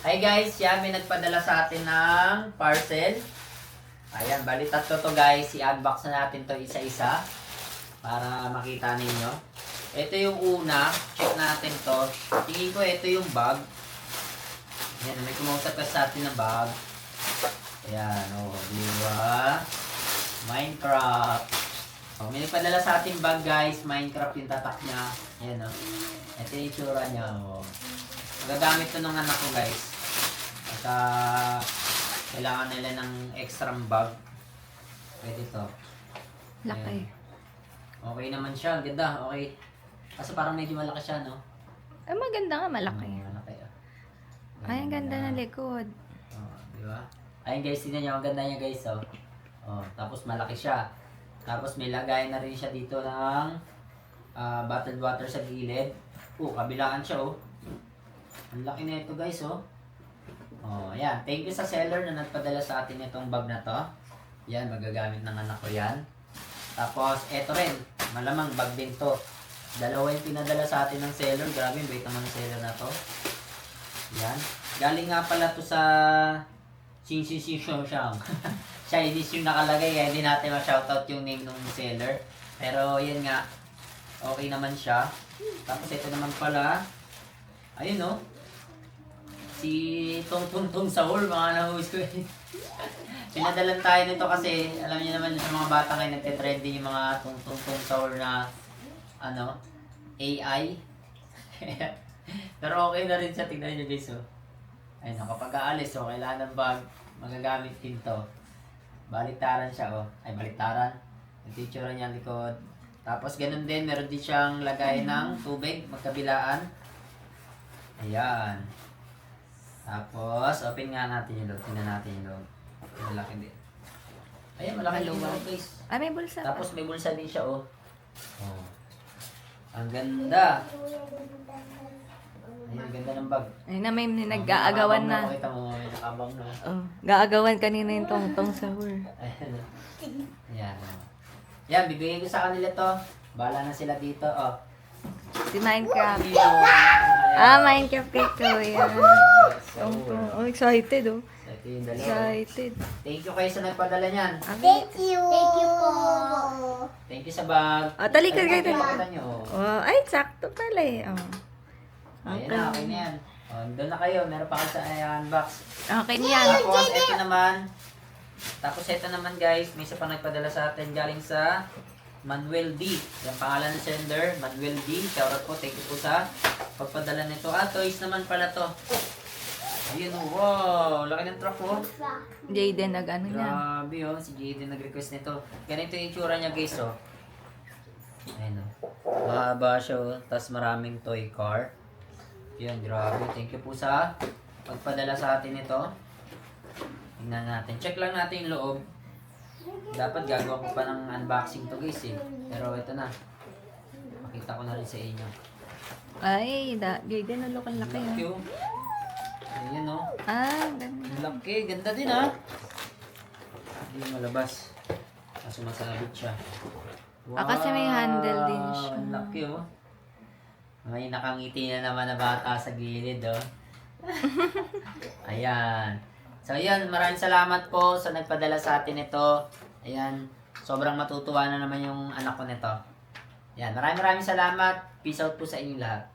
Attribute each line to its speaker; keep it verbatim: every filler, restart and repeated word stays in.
Speaker 1: Hi guys, yan, may nagpadala sa atin ng parcel. Ayan, bali tatlo to guys. I-unbox na natin to isa-isa para makita ninyo. Ito yung una. Check natin to. Tingin ko ito yung bag. Ayan, may kumausap ka sa atin na bag. Ayan, o, oh, diba? Minecraft. Oh, may nagpadala sa ating bag guys. Minecraft yung tatak niya. Ayan o. Oh. Ito yung itsura niya. Oh. Magagamit to ng anak ko guys. At uh, kailangan nila ng extra bag. Pwede to.
Speaker 2: Laki.
Speaker 1: Ayan. Okay naman siya. Ganda. Okay. Kasi parang medyo malaki siya, no?
Speaker 2: Ay, maganda nga, malaki.
Speaker 1: Hmm, malaki. Oh.
Speaker 2: Ay, ang ganda ng likod.
Speaker 1: Oh, di ba? Ayun guys, tingnan niyo. Ang ganda niya guys, oh. Oh, tapos malaki siya. Tapos may lagay na rin siya dito ng uh, bottled water sa gilid. Oh, kabilaan siya, oh. Ang laki na ito guys, oh. Oh, ayan. Thank you sa seller na nagpadala sa atin itong bag na to. Yan, magagamit ng anak ko yan. Tapos, eto rin. Malamang bag din to. Dalawa yung pinadala sa atin ng seller. Grabe, bait naman ng seller na to. Yan. Galing nga pala to sa Sing Sing Sing Shong Shang. Chinese yung nakalagay, kaya hindi natin ma-shoutout yung name ng seller. Pero, yan nga. Okay naman siya. Tapos, ito naman pala. Ayun, no? Si Tong Tong Tong Saul, mga na-host ko eh. Pinadalan tayo nito kasi, alam niyo naman yung mga bata kayo nagte-trending yung mga Tong Tong Tong Saul na, ano, A I. Pero okay na rin siya, tignan niyo guys, oh. Ayun, kapag aalis, oh, kailangan ng bag, magagamit din to. Baliktaran siya, oh. Ay, baliktaran. Yung picture niya likod. Tapos, ganun din, meron din siyang lagay ng tubig, magkabilaan. Ayan. Tapos, open nga natin yung loob. Tingnan natin yung loob. Malaki din. Ayan, malaki yung loob guys.
Speaker 2: Ay, may bulsa.
Speaker 1: Tapos may bulsa din siya, oh. Oh. Ang ganda. Ayan, ganda ng bag.
Speaker 2: Ay na, may nag-aagawan na.
Speaker 1: Makita mo, may nakabang na.
Speaker 2: Oh, gaagawan kanina yung tong-tong sahur.
Speaker 1: Ayan. Ayan. Yan, bibigay ko sa kanila to. Bahala na sila dito, oh.
Speaker 2: Si Minecraft.
Speaker 1: Ayan.
Speaker 2: Ah, Minecraft kay Kuya. Tong-tong. Oh, excited oh.
Speaker 1: Ito yung dalawa.
Speaker 2: Excited.
Speaker 1: Thank you kayo sa nagpadala niyan.
Speaker 3: Thank you. Thank you po.
Speaker 1: Thank you sa bag.
Speaker 2: Oh, talikod kayo.
Speaker 1: Ay, pakita nyo, oh.
Speaker 2: Oh, ay, sakto pala eh. Oh.
Speaker 1: Ayan na, okay na yan. O, doon na kayo. Meron pa kayo sa uh, unbox.
Speaker 2: Okay niyan.
Speaker 1: Tapos, ito naman. Tapos, ito naman guys. May isa pa nagpadala sa atin galing sa Manuel D. Yung pangalan ng sender, Manuel D. Shoutout po. Thank you po sa pagpadala nito. Ah, toys naman pala to. Ayun, oh, wow. Laki ng truck, oh.
Speaker 2: Jaden nag-ano niya.
Speaker 1: Grabe, oh. Si Jaden nag-request nito. Ganito yung itsura niya guys, oh. Ayun, oh. Mahaba siya, oh. Tapos maraming toy car. Yan, grabe. Thank you po sa pagpadala sa atin ito. Tingnan natin. Check lang natin yung loob. Dapat gagawa ko pa ng unboxing to guys eh. Pero ito na. Makita ko na rin sa inyo.
Speaker 2: Ay, da, Jaden, ano kang laki
Speaker 1: Laki
Speaker 2: ah.
Speaker 1: oh. Ayan oh.
Speaker 2: Ah, ganda.
Speaker 1: Ang laki. Ganda din ha. Hindi malabas. Kaso masabit siya.
Speaker 2: Ah, kasi may handle din siya.
Speaker 1: Ang laki oh. May nakangiti na naman na bata sa gilid, oh. Ayan. So, ayan. Maraming salamat po sa nagpadala sa atin ito. Ayan. Sobrang matutuwa na naman yung anak ko nito. Ayan. Maraming maraming salamat. Peace out po sa inyo lahat.